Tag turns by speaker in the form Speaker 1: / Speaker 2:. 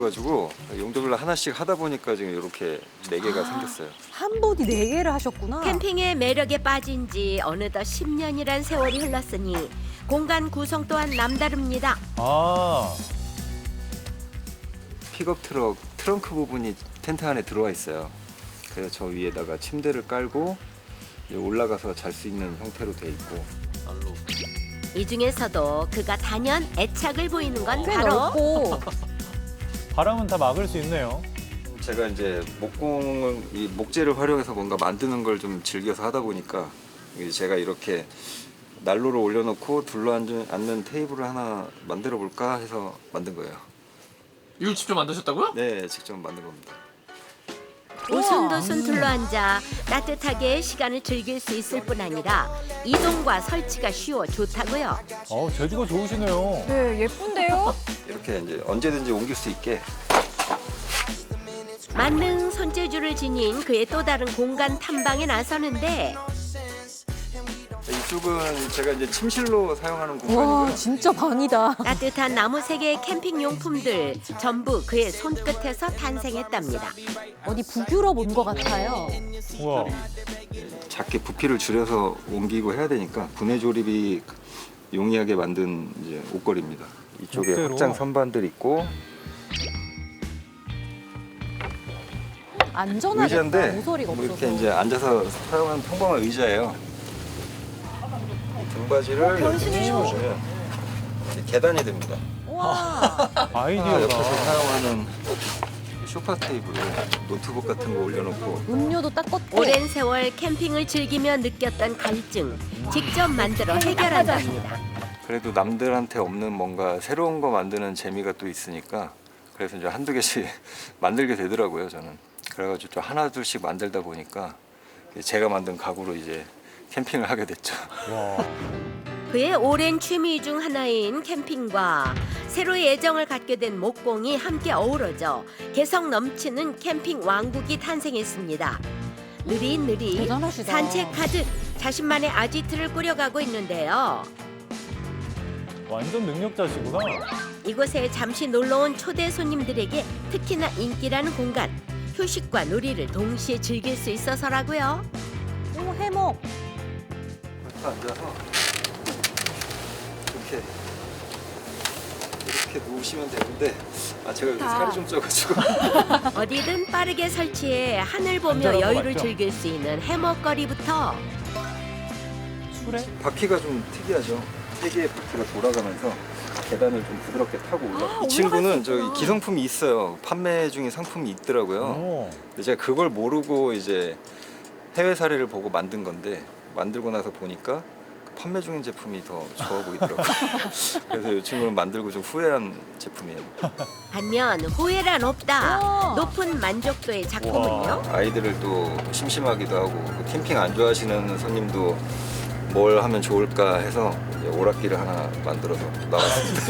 Speaker 1: 가지고 용도별로 하나씩 하다 보니까 지금 이렇게 4개가 생겼어요.
Speaker 2: 한 보디 4개를 하셨구나.
Speaker 3: 캠핑의 매력에 빠진 지 어느덧 10년이란 세월이 흘렀으니 공간 구성 또한 남다릅니다.
Speaker 4: 아,
Speaker 1: 픽업 트럭 트렁크 부분이 텐트 안에 들어와 있어요. 그래서 저 위에다가 침대를 깔고 이제 올라가서 잘 수 있는 형태로 돼 있고.
Speaker 3: 이 중에서도 그가 단연 애착을 보이는 건
Speaker 2: 꽤
Speaker 3: 바로
Speaker 2: 넓고.
Speaker 4: 바람은 다 막을 수 있네요.
Speaker 1: 제가 이제 목공을 이 목재를 활용해서 뭔가 만드는 걸 좀 즐겨서 하다 보니까 이제 제가 이렇게 난로를 올려놓고 둘러앉는 테이블을 하나 만들어 볼까 해서 만든 거예요.
Speaker 5: 이걸 직접 만드셨다고요?
Speaker 1: 네, 직접 만든 겁니다.
Speaker 3: 오순도순 둘러앉아 따뜻하게 시간을 즐길 수 있을 뿐 아니라 이동과 설치가 쉬워 좋다고요.
Speaker 4: 재주가 좋으시네요.
Speaker 2: 네, 예쁜데요?
Speaker 1: 이렇게 이제 언제든지 옮길 수 있게.
Speaker 3: 만능 손재주를 지닌 그의 또 다른 공간 탐방에 나서는데
Speaker 1: 이쪽은 제가 이제 침실로 사용하는
Speaker 2: 와,
Speaker 1: 공간이고요.
Speaker 2: 진짜 방이다.
Speaker 3: 따뜻한 나무 세계의 캠핑 용품들 전부 그의 손끝에서 탄생했답니다.
Speaker 2: 어디 북유럽 온 것 같아요.
Speaker 4: 우와.
Speaker 1: 작게 부피를 줄여서 옮기고 해야 되니까 분해 조립이 용이하게 만든 이제 옷걸이입니다. 이쪽에
Speaker 4: 멋대로.
Speaker 1: 확장 선반들 있고
Speaker 2: 안전하겠다.
Speaker 1: 의자인데
Speaker 2: 모서리가
Speaker 1: 뭐
Speaker 2: 없어서.
Speaker 1: 이렇게 이제 앉아서 사용하는 평범한 의자예요. 이 등받이를 이렇게 씌워주면 계단이 됩니다.
Speaker 2: 와,
Speaker 4: 아이디어가.
Speaker 1: 옆에서 사용하는 소파 테이블, 노트북 같은 거 올려놓고
Speaker 2: 음료도 딱 껐고.
Speaker 3: 오랜 세월 캠핑을 즐기며 느꼈던 갈증 직접 만들어 해결한답니다.
Speaker 1: 그래도 남들한테 없는 뭔가 새로운 거 만드는 재미가 또 있으니까 그래서 이제 한두 개씩 만들게 되더라고요, 저는. 그래가지고 좀 하나 둘씩 만들다 보니까 제가 만든 가구로 이제 캠핑을 하게 됐죠.
Speaker 4: 와.
Speaker 3: 그의 오랜 취미 중 하나인 캠핑과 새로의 애정을 갖게 된 목공이 함께 어우러져 개성 넘치는 캠핑 왕국이 탄생했습니다. 느릿느릿
Speaker 2: 대단하시다.
Speaker 3: 산책하듯 자신만의 아지트를 꾸려가고 있는데요.
Speaker 4: 완전 능력자시구나.
Speaker 3: 이곳에 잠시 놀러온 초대 손님들에게 특히나 인기라는 공간. 휴식과 놀이를 동시에 즐길 수 있어서라고요.
Speaker 2: 오, 해먹.
Speaker 1: 이렇게 앉아서 이렇게 누우시면 되는데 제가 요새 살이 좀 쪄가지고
Speaker 3: 어디든 빠르게 설치해 하늘 보며
Speaker 4: 안전한 거
Speaker 3: 여유를
Speaker 4: 맞죠?
Speaker 3: 즐길 수 있는 해먹거리부터
Speaker 4: 술에?
Speaker 1: 바퀴가 좀 특이하죠. 3개의 바퀴가 돌아가면서 계단을 좀 부드럽게 타고 올라가요. 이 친구는 저기 기성품이 있어요. 판매 중인 상품이 있더라고요.
Speaker 4: 오.
Speaker 1: 근데 제가 그걸 모르고 이제 해외 사례를 보고 만든 건데 만들고 나서 보니까 그 판매 중인 제품이 더 좋아 보이더라고요. 그래서 이 친구는 만들고 좀 후회한 제품이에요.
Speaker 3: 반면 후회란 없다.
Speaker 2: 우와.
Speaker 3: 높은 만족도의 작품은요.
Speaker 1: 아이들을 또 심심하기도 하고 캠핑 안 좋아하시는 손님도 뭘 하면 좋을까 해서 이제 오락기를 하나 만들어서 나왔습니다.